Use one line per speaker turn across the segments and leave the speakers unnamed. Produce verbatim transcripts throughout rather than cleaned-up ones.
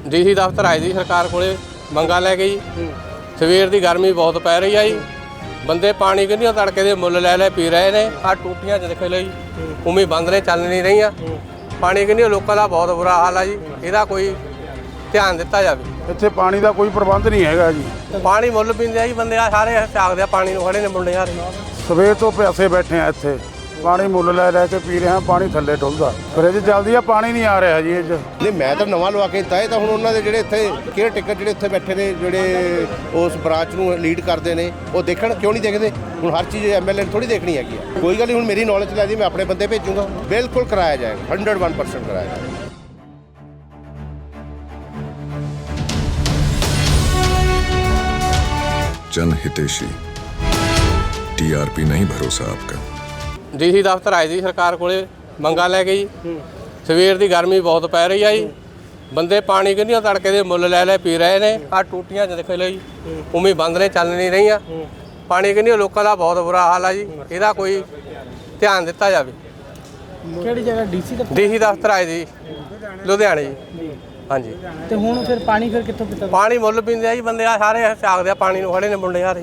DC ਦਫ਼ਤਰ ਆਏ ਜੀ ਸਰਕਾਰ ਕੋਲੇ ਮੰਗਾ ਲੈ ਕੇ ਜੀ। ਸਵੇਰ ਦੀ ਗਰਮੀ ਬਹੁਤ ਪੈ ਰਹੀ ਆ ਜੀ। ਬੰਦੇ ਪਾਣੀ ਕਿੰਨੀਆਂ ਤੜਕੇ ਦੇ ਮੁੱਲ ਲੈ ਲੈ ਪੀ ਰਹੇ ਨੇ। ਆ ਟੂਟੀਆਂ 'ਚ ਦੇਖੋ ਲਈ ਉਵੇਂ ਬੰਦ ਨੇ, ਚੱਲ ਨਹੀਂ ਰਹੀਆਂ। ਪਾਣੀ ਕਿੰਨੀਆਂ ਲੋਕਾਂ ਦਾ ਬਹੁਤ ਬੁਰਾ ਹਾਲ ਆ ਜੀ। ਇਹਦਾ ਕੋਈ ਧਿਆਨ ਦਿੱਤਾ ਜਾਵੇ।
ਇੱਥੇ ਪਾਣੀ ਦਾ ਕੋਈ ਪ੍ਰਬੰਧ ਨਹੀਂ ਹੈਗਾ ਜੀ।
ਪਾਣੀ ਮੁੱਲ ਪੀਂਦੇ ਆ ਜੀ ਬੰਦੇ, ਆ ਸਾਰੇ ਝਾਕਦੇ ਆ ਪਾਣੀ ਨੂੰ, ਖੜੇ ਨੇ ਮੁੰਡੇ ਯਾਰ।
ਸਵੇਰ ਤੋਂ ਪਿਆਸੇ ਬੈਠੇ ਆ ਇੱਥੇ, ਪਾਣੀ ਮੁੱਲ ਲੈ ਲੈ ਕੇ ਪੀ ਰਹੇ ਹਾਂ। ਪਾਣੀ ਥੱਲੇ ਡੁੱਲਦਾ, ਫਰਿੱਜ ਚੱਲਦੀ ਆ, ਪਾਣੀ ਨਹੀਂ ਆ ਰਿਹਾ ਜੀ ਇਹ 'ਚ।
ਨਹੀਂ, ਮੈਂ ਤਾਂ ਨਵਾਂ ਲਵਾ ਕੇ ਦਿੱਤਾ ਇਹ ਤਾਂ ਹੁਣ ਉਹਨਾਂ ਦੇ ਜਿਹੜੇ ਇੱਥੇ ਕੇਅਰ ਟੇਕਰ ਜਿਹੜੇ ਇੱਥੇ ਬੈਠੇ ਨੇ, ਜਿਹੜੇ ਉਸ ਬ੍ਰਾਂਚ ਨੂੰ ਲੀਡ ਕਰਦੇ ਨੇ, ਉਹ ਦੇਖਣ ਕਿਉਂ ਨਹੀਂ ਦੇਖਦੇ। ਹੁਣ ਹਰ ਚੀਜ਼ ਐਮ ਐਲ ਏ ਥੋੜੀ ਦੇਖਣੀ ਹੈਗੀ ਆ। ਕੋਈ ਗੱਲ ਨਹੀਂ, ਹੁਣ ਮੇਰੀ ਨੌਲੇਜ ਲੈ ਦੀ, ਮੈਂ ਆਪਣੇ ਬੰਦੇ ਭੇਜੂੰਗਾ। ਬਿਲਕੁਲ ਕਰਾਇਆ ਜਾਏਗਾ, ਹੰਡਰਡ ਵਨ ਪਰਸੈਂਟ ਕਰਾਇਆ ਜਾਏਗਾ।
जन हितेशी टीआरपी नहीं भरोसा आपका।
ਡੀਸੀ ਦਫ਼ਤਰ ਆਏ ਜੀ ਸਰਕਾਰ ਕੋਲੇ ਮੰਗਾ ਲੈ ਕੇ ਜੀ। ਸਵੇਰ ਦੀ ਗਰਮੀ ਬਹੁਤ ਪੈ ਰਹੀ ਆ ਜੀ। ਬੰਦੇ ਪਾਣੀ ਕਿੰਨੀਆਂ ਤੜਕੇ ਦੇ ਮੁੱਲ ਲੈ ਲੈ ਪੀ ਰਹੇ ਨੇ। ਆ ਟੂਟੀਆਂ 'ਚ ਦੇਖੋ ਲਈ ਉਵੇਂ ਬੰਦ ਨੇ, ਚੱਲ ਨਹੀਂ ਰਹੀਆਂ। ਪਾਣੀ ਕਿੰਨੀਆਂ ਲੋਕਾਂ ਦਾ ਬਹੁਤ ਬੁਰਾ ਹਾਲ ਆ ਜੀ। ਇਹਦਾ ਕੋਈ ਧਿਆਨ ਦਿੱਤਾ ਜਾਵੇ।
ਕਿਹੜੀ ਜਗ੍ਹਾ ਡੀਸੀ ਦਫ਼ਤਰ?
ਡੀਸੀ ਦਫ਼ਤਰ ਆਏ ਜੀ ਲੁਧਿਆਣੇ ਜੀ। ਹਾਂਜੀ।
ਤੇ ਹੁਣ ਫਿਰ ਪਾਣੀ ਫਿਰ ਕਿੱਥੋਂ ਪੀਤਾ?
ਪਾਣੀ ਮੁੱਲ ਪੀਂਦੇ ਆ ਜੀ ਬੰਦੇ, ਆ ਸਾਰੇ ਝਾਕਦੇ ਆ ਪਾਣੀ ਨੂੰ, ਖੜੇ ਨੇ ਮੁੰਡੇ ਯਾਰ।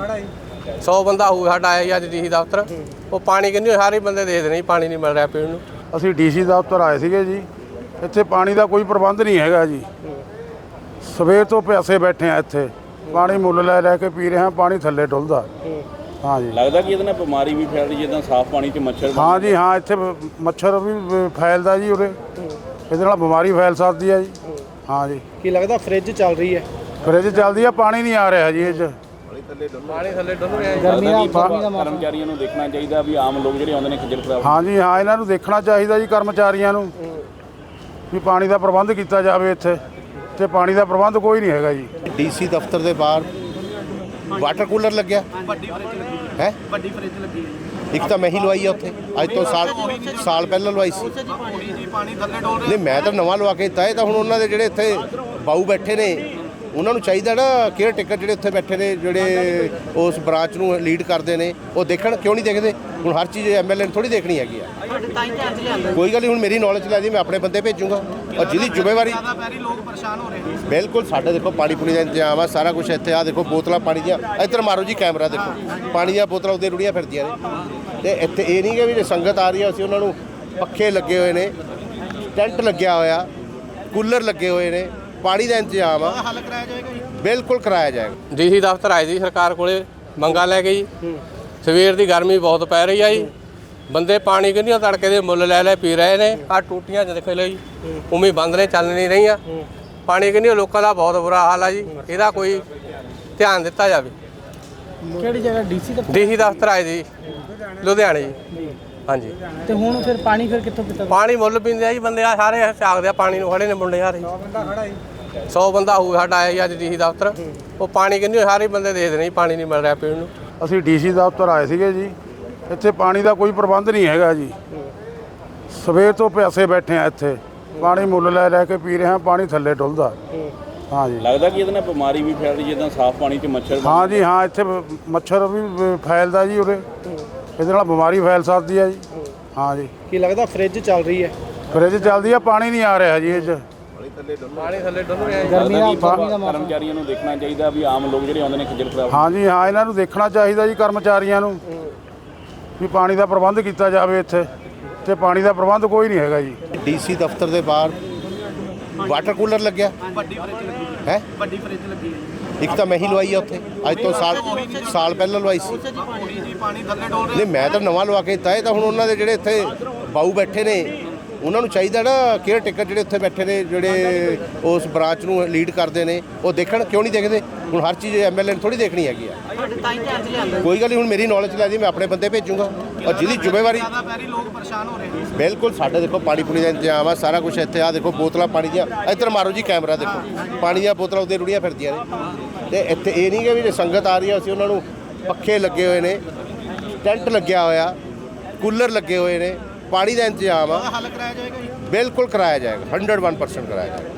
ਸੌ ਬੰਦਾ ਹੋਊ ਸਾਡਾ ਆਇਆ ਜੀ ਅੱਜ ਡੀਸੀ ਦਫ਼ਤਰ। ਉਹ ਪਾਣੀ ਕਿੰਨੀ ਸਾਰੇ ਬੰਦੇ ਦੇਖਦੇ ਨੇ, ਪਾਣੀ ਨਹੀਂ ਮਿਲ ਰਿਹਾ ਪੀਣ ਨੂੰ।
ਅਸੀਂ ਡੀਸੀ ਦਫ਼ਤਰ ਆਏ ਸੀਗੇ ਜੀ। ਇੱਥੇ ਪਾਣੀ ਦਾ ਕੋਈ ਪ੍ਰਬੰਧ ਨਹੀਂ ਹੈਗਾ ਜੀ। ਸਵੇਰ ਤੋਂ ਪਿਆਸੇ ਬੈਠੇ ਆ ਇੱਥੇ, ਪਾਣੀ ਮੁੱਲ ਲੈ ਲੈ ਕੇ ਪੀ ਰਹੇ ਹਾਂ। ਪਾਣੀ ਥੱਲੇ ਡੁੱਲਦਾ। ਹਾਂ ਜੀ।
ਲੱਗਦਾ ਕਿ ਇਹਦੇ ਨਾਲ ਬਿਮਾਰੀ ਵੀ ਫੈਲ ਰਹੀ, ਜਿੱਦਾਂ ਸਾਫ਼ ਪਾਣੀ 'ਚ ਮੱਛਰ।
ਹਾਂ ਜੀ, ਹਾਂ, ਇੱਥੇ ਮੱਛਰ ਵੀ ਫੈਲਦਾ ਜੀ ਉਰੇ। ਇਹਦੇ ਨਾਲ ਬਿਮਾਰੀ ਫੈਲ ਸਕਦੀ ਹੈ ਜੀ। ਹਾਂ ਜੀ।
ਕੀ ਲੱਗਦਾ ਫਰਿੱਜ ਚੱਲ ਰਹੀ ਹੈ?
ਫਰਿੱਜ ਚੱਲਦੀ ਆ, ਪਾਣੀ ਨਹੀਂ ਆ ਰਿਹਾ ਜੀ ਇਹ 'ਚ।
ਪਾਣੀ ਥੱਲੇ ਡੁੱਲ ਰਿਹਾ।
ਗਰਮੀ ਦਾ ਗਰਮੀ ਦਾ ਮੌਸਮ।
ਕਰਮਚਾਰੀਆਂ ਨੂੰ ਦੇਖਣਾ ਚਾਹੀਦਾ ਵੀ ਆਮ ਲੋਕ ਜਿਹੜੇ ਆਉਂਦੇ ਨੇ ਖੱਜਲ ਖਰਾਬ।
ਹਾਂ ਜੀ, ਹਾਂ, ਇਹਨਾਂ ਨੂੰ ਦੇਖਣਾ ਚਾਹੀਦਾ ਜੀ, ਕਰਮਚਾਰੀਆਂ ਨੂੰ, ਵੀ ਪਾਣੀ ਦਾ ਪ੍ਰਬੰਧ ਕੀਤਾ ਜਾਵੇ ਇੱਥੇ। ਤੇ ਪਾਣੀ ਦਾ ਪ੍ਰਬੰਧ ਕੋਈ ਨਹੀਂ ਹੈਗਾ ਜੀ।
ਡੀਸੀ ਦਫ਼ਤਰ ਦੇ ਬਾਹਰ ਵਾਟਰ ਕੂਲਰ ਲੱਗਿਆ ਹੈ।
ਵੱਡੀ ਫਰਿੱਜ ਲੱਗੀ ਹੈ।
ਇੱਕ ਤਾਂ ਮੈਂ ਹੀ ਲਵਾਈ ਆ ਉੱਥੇ, ਅੱਜ ਤੋਂ ਸਾਲ ਸਾਲ ਪਹਿਲਾਂ ਲਵਾਈ ਸੀ। ਨਹੀਂ, ਮੈਂ ਤਾਂ ਨਵਾਂ ਲਵਾ ਕੇ ਦਿੱਤਾ ਇਹ ਤਾਂ ਹੁਣ ਉਹਨਾਂ ਦੇ ਜਿਹੜੇ ਇੱਥੇ ਬਾਊ ਬੈਠੇ ਨੇ, ਉਹਨਾਂ ਨੂੰ ਚਾਹੀਦਾ ਨਾ, ਕੇਅਰ ਟੇਕਰ ਜਿਹੜੇ ਉੱਥੇ ਬੈਠੇ ਨੇ, ਜਿਹੜੇ ਉਸ ਬ੍ਰਾਂਚ ਨੂੰ ਲੀਡ ਕਰਦੇ ਨੇ, ਉਹ ਦੇਖਣ ਕਿਉਂ ਨਹੀਂ ਦੇਖਦੇ। ਹੁਣ ਹਰ ਚੀਜ਼ ਐਮ ਐਲ ਏ ਥੋੜੀ ਦੇਖਣੀ ਹੈਗੀ ਆ। ਕੋਈ ਗੱਲ ਨਹੀਂ, ਹੁਣ ਮੇਰੀ ਨੌਲੇਜ ਲੈ ਦੀ, ਮੈਂ ਆਪਣੇ ਬੰਦੇ ਭੇਜੂੰਗਾ। ਔਰ ਜਿਹਦੀ ਜ਼ਿੰਮੇਵਾਰੀ,
ਲੋਕ ਪਰੇਸ਼ਾਨ ਹੋ ਰਹੇ ਨੇ।
ਬਿਲਕੁਲ ਸਾਡੇ ਦੇਖੋ ਪਾਣੀ ਪੂਣੀ ਦਾ ਇੰਤਜ਼ਾਮ ਆ, ਸਾਰਾ ਕੁਝ ਇੱਥੇ ਆ। ਦੇਖੋ ਬੋਤਲਾਂ ਪਾਣੀ ਦੀਆਂ, ਇੱਧਰ ਮਾਰੋ ਜੀ ਕੈਮਰਾ, ਦੇਖੋ ਪਾਣੀ ਦੀਆਂ ਬੋਤਲਾਂ ਉੱਤੇ ਰੁੜੀਆਂ ਫਿਰਦੀਆਂ ਨੇ। ਤੇ ਇੱਥੇ ਇਹ ਨਹੀਂ ਕਿ ਵੀ ਜੇ ਸੰਗਤ ਆ ਰਹੀ ਆ, ਅਸੀਂ ਉਹਨਾਂ ਨੂੰ ਪੱਖੇ ਲੱਗੇ ਹੋਏ ਨੇ, ਟੈਂਟ ਲੱਗਿਆ ਹੋਇਆ, ਕੂਲਰ ਲੱਗੇ ਹੋਏ ਨੇ, ਪਾਣੀ ਦਾ ਇੰਤਜ਼ਾਮ ਆ।
ਹੱਲ ਕਰਾਇਆ ਜਾਏਗਾ ਜੀ।
ਬਿਲਕੁਲ ਕਰਾਇਆ ਜਾਏਗਾ।
ਡੀਸੀ ਦਫ਼ਤਰ ਆਏ ਜੀ ਸਰਕਾਰ ਕੋਲੇ ਮੰਗਾ ਲੈ ਕੇ ਜੀ। ਸਵੇਰ ਦੀ ਗਰਮੀ ਬਹੁਤ ਪੈ ਰਹੀ ਆ ਜੀ। ਬੰਦੇ ਪਾਣੀ ਕਿੰਨੀਆਂ ਤੜਕੇ ਦੇ ਮੁੱਲ ਲੈ ਲੈ ਪੀ ਰਹੇ ਨੇ। ਆ ਟੂਟੀਆਂ 'ਚ ਦੇਖੋ ਲਈ ਉਵੇਂ ਬੰਦ ਨੇ, ਚੱਲ ਨਹੀਂ ਰਹੀਆਂ। ਪਾਣੀ ਕਿੰਨੀਆਂ ਲੋਕਾਂ ਦਾ ਬਹੁਤ ਬੁਰਾ ਹਾਲ ਆ ਜੀ। ਇਹਦਾ ਕੋਈ ਧਿਆਨ ਦਿੱਤਾ ਜਾਵੇ।
ਕਿਹੜੀ ਜਗ੍ਹਾ ਡੀਸੀ ਦਫ਼ਤਰ?
ਡੀਸੀ ਦਫ਼ਤਰ ਆਏ ਜੀ ਲੁਧਿਆਣੇ ਜੀ। ਹਾਂਜੀ।
ਤੇ ਹੁਣ ਫਿਰ ਪਾਣੀ ਫਿਰ ਕਿੱਥੋਂ ਪੀਤਾ?
ਪਾਣੀ ਮੁੱਲ ਪੀਂਦੇ ਆ ਜੀ ਬੰਦੇ, ਆ ਸਾਰੇ ਝਾਕਦੇ ਆ ਪਾਣੀ ਨੂੰ, ਖੜੇ ਨੇ ਮੁੰਡੇ ਯਾਰ। ਸੌ ਬੰਦਾ ਹੋਊ ਸਾਡਾ ਆਇਆ ਜੀ ਅੱਜ ਡੀਸੀ ਦਫ਼ਤਰ। ਉਹ ਪਾਣੀ ਕਿੰਨੀ ਸਾਰੇ ਬੰਦੇ ਦੇਖਦੇ ਨੇ, ਪਾਣੀ ਨਹੀਂ ਮਿਲ ਰਿਹਾ ਪੀਣ ਨੂੰ।
ਅਸੀਂ ਡੀਸੀ ਦਫ਼ਤਰ ਆਏ ਸੀਗੇ ਜੀ। ਇੱਥੇ ਪਾਣੀ ਦਾ ਕੋਈ ਪ੍ਰਬੰਧ ਨਹੀਂ ਹੈਗਾ ਜੀ। ਸਵੇਰ ਤੋਂ ਪਿਆਸੇ ਬੈਠੇ ਆ ਇੱਥੇ, ਪਾਣੀ ਮੁੱਲ ਲੈ ਲੈ ਕੇ ਪੀ ਰਹੇ ਹਾਂ। ਪਾਣੀ ਥੱਲੇ ਡੁੱਲਦਾ। ਹਾਂ ਜੀ।
ਲੱਗਦਾ ਕਿ ਇਹਦੇ ਨਾਲ ਬਿਮਾਰੀ ਵੀ ਫੈਲ ਰਹੀ, ਜਿੱਦਾਂ ਸਾਫ਼ ਪਾਣੀ 'ਚ ਮੱਛਰ।
ਹਾਂ ਜੀ, ਹਾਂ, ਇੱਥੇ ਮੱਛਰ ਵੀ ਫੈਲਦਾ ਜੀ ਉਰੇ। ਇਹਦੇ ਨਾਲ ਬਿਮਾਰੀ ਫੈਲ ਸਕਦੀ ਹੈ ਜੀ। ਹਾਂ ਜੀ।
ਕੀ ਲੱਗਦਾ ਫਰਿੱਜ ਚੱਲ ਰਹੀ ਹੈ?
ਫਰਿੱਜ ਚੱਲਦੀ ਆ, ਪਾਣੀ ਨਹੀਂ ਆ ਰਿਹਾ ਜੀ ਇਹ 'ਚ।
ਪਾਣੀ ਥੱਲੇ ਡੁੱਲ ਰਿਹਾ।
ਗਰਮੀ ਦਾ ਗਰਮੀ ਦਾ ਮੌਸਮ।
ਕਰਮਚਾਰੀਆਂ ਨੂੰ ਦੇਖਣਾ ਚਾਹੀਦਾ ਵੀ ਆਮ ਲੋਕ ਜਿਹੜੇ ਆਉਂਦੇ ਨੇ ਖੱਜਲ ਖਰਾਬ।
ਹਾਂ ਜੀ, ਹਾਂ, ਇਹਨਾਂ ਨੂੰ ਦੇਖਣਾ ਚਾਹੀਦਾ ਜੀ, ਕਰਮਚਾਰੀਆਂ ਨੂੰ, ਵੀ ਪਾਣੀ ਦਾ ਪ੍ਰਬੰਧ ਕੀਤਾ ਜਾਵੇ ਇੱਥੇ। ਤੇ ਪਾਣੀ ਦਾ ਪ੍ਰਬੰਧ ਕੋਈ ਨਹੀਂ ਹੈਗਾ ਜੀ।
ਡੀਸੀ ਦਫ਼ਤਰ ਦੇ ਬਾਹਰ ਵਾਟਰ ਕੂਲਰ ਲੱਗਿਆ ਹੈ।
ਵੱਡੀ ਫਰਿੱਜ ਲੱਗੀ ਹੈ।
ਇੱਕ ਤਾਂ ਮੈਂ ਹੀ ਲਵਾਈ ਆ ਉੱਥੇ, ਅੱਜ ਤੋਂ ਸਾਲ ਸਾਲ ਪਹਿਲਾਂ ਲਵਾਈ ਸੀ। ਨਹੀਂ, ਮੈਂ ਤਾਂ ਨਵਾਂ ਲਵਾ ਕੇ ਦਿੱਤਾ ਇਹ ਤਾਂ ਹੁਣ ਉਹਨਾਂ ਦੇ ਜਿਹੜੇ ਇੱਥੇ ਬਾਊ ਬੈਠੇ ਨੇ, ਉਹਨਾਂ ਨੂੰ ਚਾਹੀਦਾ ਨਾ, ਕੇਅਰ ਟੇਕਰ ਜਿਹੜੇ ਉੱਥੇ ਬੈਠੇ ਨੇ, ਜਿਹੜੇ ਉਸ ਬ੍ਰਾਂਚ ਨੂੰ ਲੀਡ ਕਰਦੇ ਨੇ, ਉਹ ਦੇਖਣ ਕਿਉਂ ਨਹੀਂ ਦੇਖਦੇ। ਹੁਣ ਹਰ ਚੀਜ਼ ਐਮ ਐਲ ਏ ਥੋੜੀ ਦੇਖਣੀ ਹੈਗੀ ਆ। ਕੋਈ ਗੱਲ ਨਹੀਂ, ਹੁਣ ਮੇਰੀ ਨੌਲੇਜ ਲੈ ਦੀ, ਮੈਂ ਆਪਣੇ ਬੰਦੇ ਭੇਜੂੰਗਾ। ਔਰ ਜਿਹਦੀ ਜ਼ਿੰਮੇਵਾਰੀ,
ਲੋਕ ਪਰੇਸ਼ਾਨ ਹੋ ਰਹੇ ਨੇ।
ਬਿਲਕੁਲ ਸਾਡੇ ਦੇਖੋ ਪਾਣੀ ਪੂਣੀ ਦਾ ਇੰਤਜ਼ਾਮ ਆ, ਸਾਰਾ ਕੁਝ ਇੱਥੇ ਆ। ਦੇਖੋ ਬੋਤਲਾਂ ਪਾਣੀ ਦੀਆਂ, ਇੱਧਰ ਮਾਰੋ ਜੀ ਕੈਮਰਾ, ਦੇਖੋ ਪਾਣੀ ਦੀਆਂ ਬੋਤਲਾਂ ਉੱਤੇ ਰੁੜੀਆਂ ਫਿਰਦੀਆਂ ਨੇ। ਤੇ ਇੱਥੇ ਇਹ ਨਹੀਂ ਕਿ ਵੀ ਜੇ ਸੰਗਤ ਆ ਰਹੀ ਆ, ਅਸੀਂ ਉਹਨਾਂ ਨੂੰ ਪੱਖੇ ਲੱਗੇ ਹੋਏ ਨੇ, ਟੈਂਟ ਲੱਗਿਆ ਹੋਇਆ, ਕੂਲਰ ਲੱਗੇ ਹੋਏ ਨੇ, ਪਾਣੀ ਦਾ ਇੰਤਜ਼ਾਮ ਆ।
ਹੱਲ ਕਰਾਇਆ ਜਾਏਗਾ ਜੀ।
ਬਿਲਕੁਲ ਕਰਾਇਆ ਜਾਏਗਾ, ਹੰਡਰਡ ਵਨ ਪਰਸੈਂਟ ਕਰਾਇਆ ਜਾਏਗਾ।